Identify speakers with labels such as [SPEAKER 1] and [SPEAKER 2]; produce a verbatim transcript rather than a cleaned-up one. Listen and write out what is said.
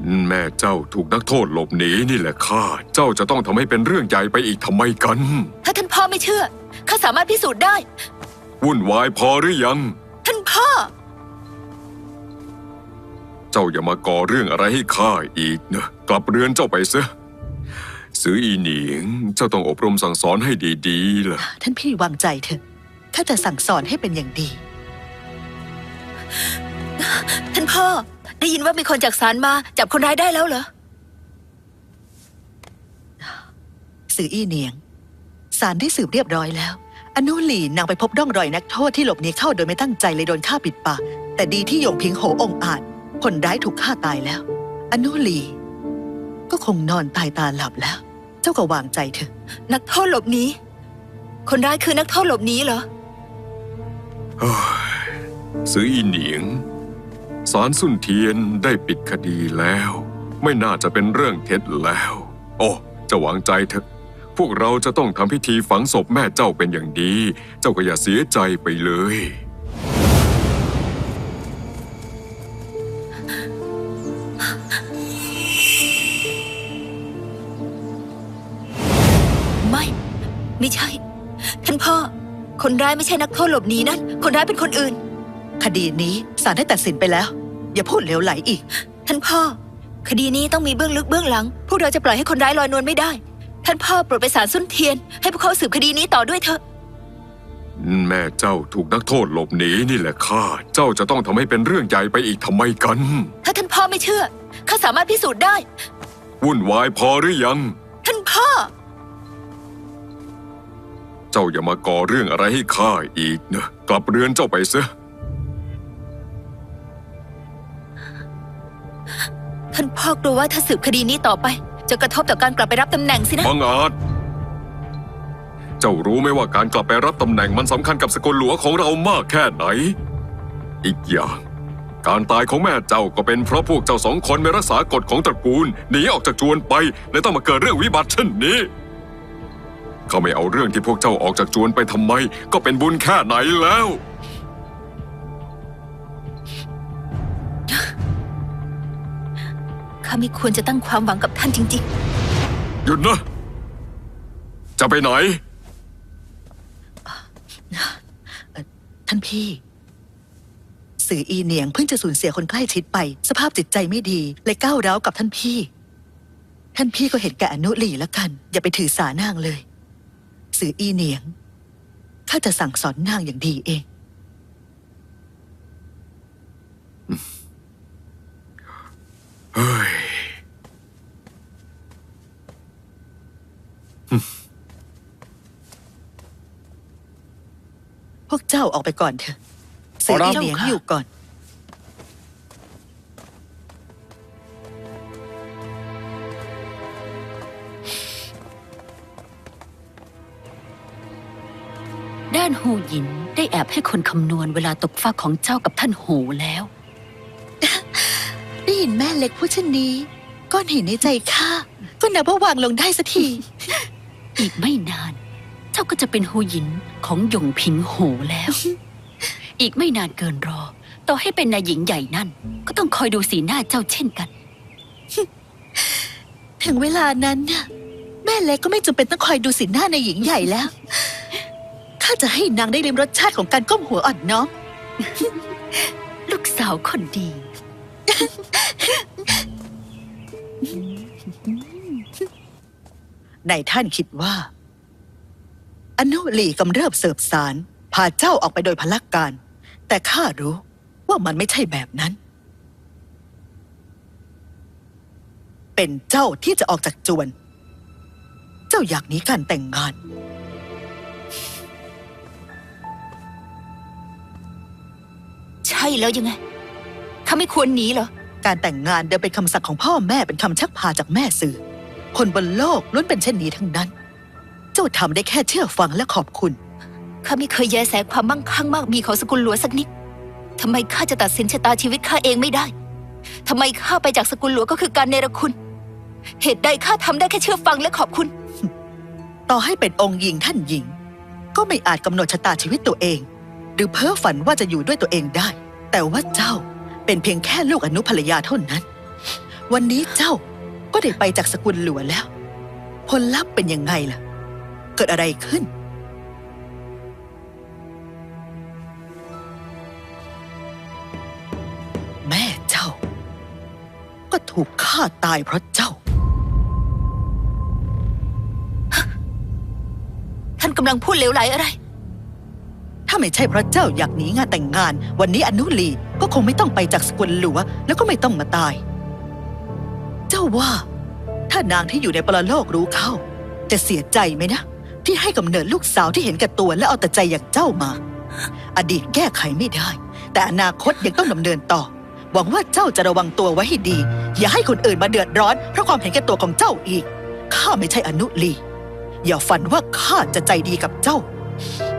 [SPEAKER 1] แม่เจ้าถูกนักโทษหลบหนีนี่แหละข้าเจ้าจะต้องทำให้เป็นเรื่องใหญ่ไปอีกทำไมกัน
[SPEAKER 2] ถ้าท่านพ่อไม่เชื่อข้าสามารถพิสูจน์ได้
[SPEAKER 1] วุ่นวายพอหรือยัง
[SPEAKER 2] ท่านพ่อ
[SPEAKER 1] เจ้าอย่ามาก่อเรื่องอะไรให้ข้าอีกนะกลับเรือนเจ้าไปซะซืออีเหนียงเจ้าต้องอบรมสั่งสอนให้ดีๆล่ะ
[SPEAKER 3] ท่านพี่วางใจเถอะข้าจะสั่งสอนให้เป็นอย่างดี
[SPEAKER 2] ท่านพ่อได้ยินว่ามีคนจากศาลมาจับคนร้ายได้แล้วเหรอ
[SPEAKER 3] ซืออี้เหนียงศาลได้สืบเรียบร้อยแล้วอนุหลี่นางไปพบร่องรอยนักโทษที่หลบหนีเข้าโดยไม่ตั้งใจเลยโดนฆ่าปิดปากแต่ดีที่หยงพิงโหองอาจคนร้ายถูกฆ่าตายแล้วอนุหลี่ก็คงนอนตายตาหลับแล้วเจ้าก็วางใจเถอะ
[SPEAKER 2] นักโทษหลบหนีคนร้ายคือนักโทษหลบหนีเหรอ
[SPEAKER 1] ซืออีเหนียงศาลซุ่นเทียนได้ปิดคดีแล้วไม่น่าจะเป็นเรื่องเท็จแล้วโอ้จะวางใจเถอะพวกเราจะต้องทำพิธีฝังศพแม่เจ้าเป็นอย่างดีเจ้าก็อย่าเสียใจไปเลย
[SPEAKER 2] ไม่ไม่ใช่ท่านพ่อคนร้ายไม่ใช่นักโทษหลบหนีนั่นคนร้ายเป็นคนอื่น
[SPEAKER 3] คดีนี้ศาลได้ตัดสินไปแล้วอย่าพูดเหลวไหลอีก
[SPEAKER 2] ท่านพ่อคดีนี้ต้องมีเบื้องลึกเบื้องหลังพวกเราจะปล่อยให้คนร้ายลอยนวลไม่ได้ท่านพ่อโปรดไปศาลซุ่นเทียนให้พวกเขาสืบคดีนี้ต่อด้วยเถอะ
[SPEAKER 1] แม่เจ้าถูกนักโทษหลบหนีนี่แหละข้าเจ้าจะต้องทำให้เป็นเรื่องใหญ่ไปอีกทำไมกัน
[SPEAKER 2] ถ้าท่านพ่อไม่เชื่อข้าสามารถพิสูจน์ได้
[SPEAKER 1] วุ่นวายพอหรือยัง
[SPEAKER 2] ท่านพ่อ
[SPEAKER 1] เจ้าอย่ามาก่อเรื่องอะไรให้ข้าอีกนะกลับเรือนเจ้าไปซะ
[SPEAKER 2] ท่านพ่อกลัวว่าถ้าสืบคดีนี้ต่อไปจะกระทบต่อการกลับไปรับตำแหน่งสินะ
[SPEAKER 1] บังอาจเจ้ารู้ไหมว่าการกลับไปรับตำแหน่งมันสำคัญกับสกุลหลวงของเรามากแค่ไหนอีกอย่างการตายของแม่เจ้าก็เป็นเพราะพวกเจ้าสองคนไม่รักษากฎของตระกูลหนีออกจากจวนไปและต้องมาเกิดเรื่องวิบัติเช่นนี้เขาไม่เอาเรื่องที่พวกเจ้าออกจากจวนไปทำไมก็เป็นบุญแค่ไหนแล้ว
[SPEAKER 2] ข้าไม่ควรจะตั้งความหวังกับท่านจริง
[SPEAKER 1] ๆหยุดนะจะไปไหน
[SPEAKER 3] ท่านพี่ซืออีเหนียงเพิ่งจะสูญเสียคนใกล้ชิดไปสภาพจิตใจไม่ดีเลยก้าวร้าวกับท่านพี่ท่านพี่ก็เห็นแก่อนุหลี่แล้วกันอย่าไปถือสานางเลยซืออีเหนียงข้าจะสั่งสอนนางอย่างดีเอง
[SPEAKER 1] เฮ้ย
[SPEAKER 3] พวกเจ้าออกไปก่อนเถอะซืออีเหนียงอยู่ก่อน
[SPEAKER 4] ด้านหูหยินได้แอบให้คนคำนวณเวลาตกฟากของเจ้ากับท่านโหแล้ว
[SPEAKER 3] ได้ยินแม่เล็กพูดเช่นนี้ก้อนหินในใจข้าก็นับว่าวางลงได้สักที
[SPEAKER 4] อีกไม่นานเจ้าก็จะเป็นหูหยินของหยงพิงโหแล้วอีกไม่นานเกินรอต่อให้เป็นนายหญิงใหญ่นั่นก็ต้องคอยดูสีหน้าเจ้าเช่นกัน
[SPEAKER 3] ถึงเวลานั้นเนี่ยแม่เล็กก็ไม่จำเป็นต้องคอยดูสีหน้านายหญิงใหญ่แล้วข้าจะให้นางได้ลิ้มรสชาติของการก้มหัวอ่อนน้อม
[SPEAKER 4] ลูกสาวคนดี
[SPEAKER 3] นายท่านคิดว่าอนุหลี่กำเริบเสบสารพาเจ้าออกไปโดยพลักการแต่ข้ารู้ว่ามันไม่ใช่แบบนั้นเป็นเจ้าที่จะออกจากจวนเจ้าอยากหนีการแต่งงาน
[SPEAKER 2] ใช่แล้วยังไงข้าไม่ควรหนีเหรอ
[SPEAKER 3] การแต่งงานเดิมเป็นคำสั่งของพ่อแม่เป็นคำชักพาจากแม่สื่อคนบนโลกล้วนเป็นเช่นนี้ทั้งนั้นเจ้าทำได้แค่เชื่อฟังและขอบคุณ
[SPEAKER 2] ข้าไม่เคยแยแสความมั่งคั่งมากมีของสกุลหลวงสักนิดทำไมข้าจะตัดสินชะตาชีวิตข้าเองไม่ได้ทำไมข้าไปจากสกุลหลวงก็คือการเนรคุณเหตุใดข้าทำได้แค่เชื่อฟังและขอบคุณ
[SPEAKER 3] ต่อให้เป็นองค์หญิงท่านหญิงก็ไม่อาจกำหนดชะตาชีวิตตัวเองหรือเพ้อฝันว่าจะอยู่ด้วยตัวเองได้แต่ว่าเจ้าเป็นเพียงแค่ลูกอนุภรรยาเท่านั้นวันนี้เจ้าก็ได้ไปจากสกุลหลวงแล้ว ผลลัพธ์เป็นยังไงล่ะ เกิดอะไรขึ้น แม่เจ้า ก็ถูกฆ่าตายเพราะเจ้า
[SPEAKER 2] ท่านกำลังพูดเหลวไหลอะไร
[SPEAKER 3] ถ้าไม่ใช่เพราะเจ้าอยากหนีงานแต่งงาน วันนี้อนุลีก็คงไม่ต้องไปจากสกุลหลัวแล้วก็ไม่ต้องมาตาย เจ้าว่า ถ้านางที่อยู่ในปรโลกรู้เข้า จะเสียใจไหมนะ ที่ให้กำเนิดลูกสาวที่เห็นแก่ตัวและเอาแต่ใจอย่างเจ้ามา อดีตแก้ไขไม่ได้ แต่อนาคตยังต้องดำเนินต่อ หวังว่าเจ้าจะระวังตัวไว้ให้ดี อย่าให้คนอื่นมาเดือดร้อนเพราะความเห็นแก่ตัวของเจ้าอีกข้าไม่ใช่อนุลีอย่าฝันว่าข้าจะใจดีกับเจ้า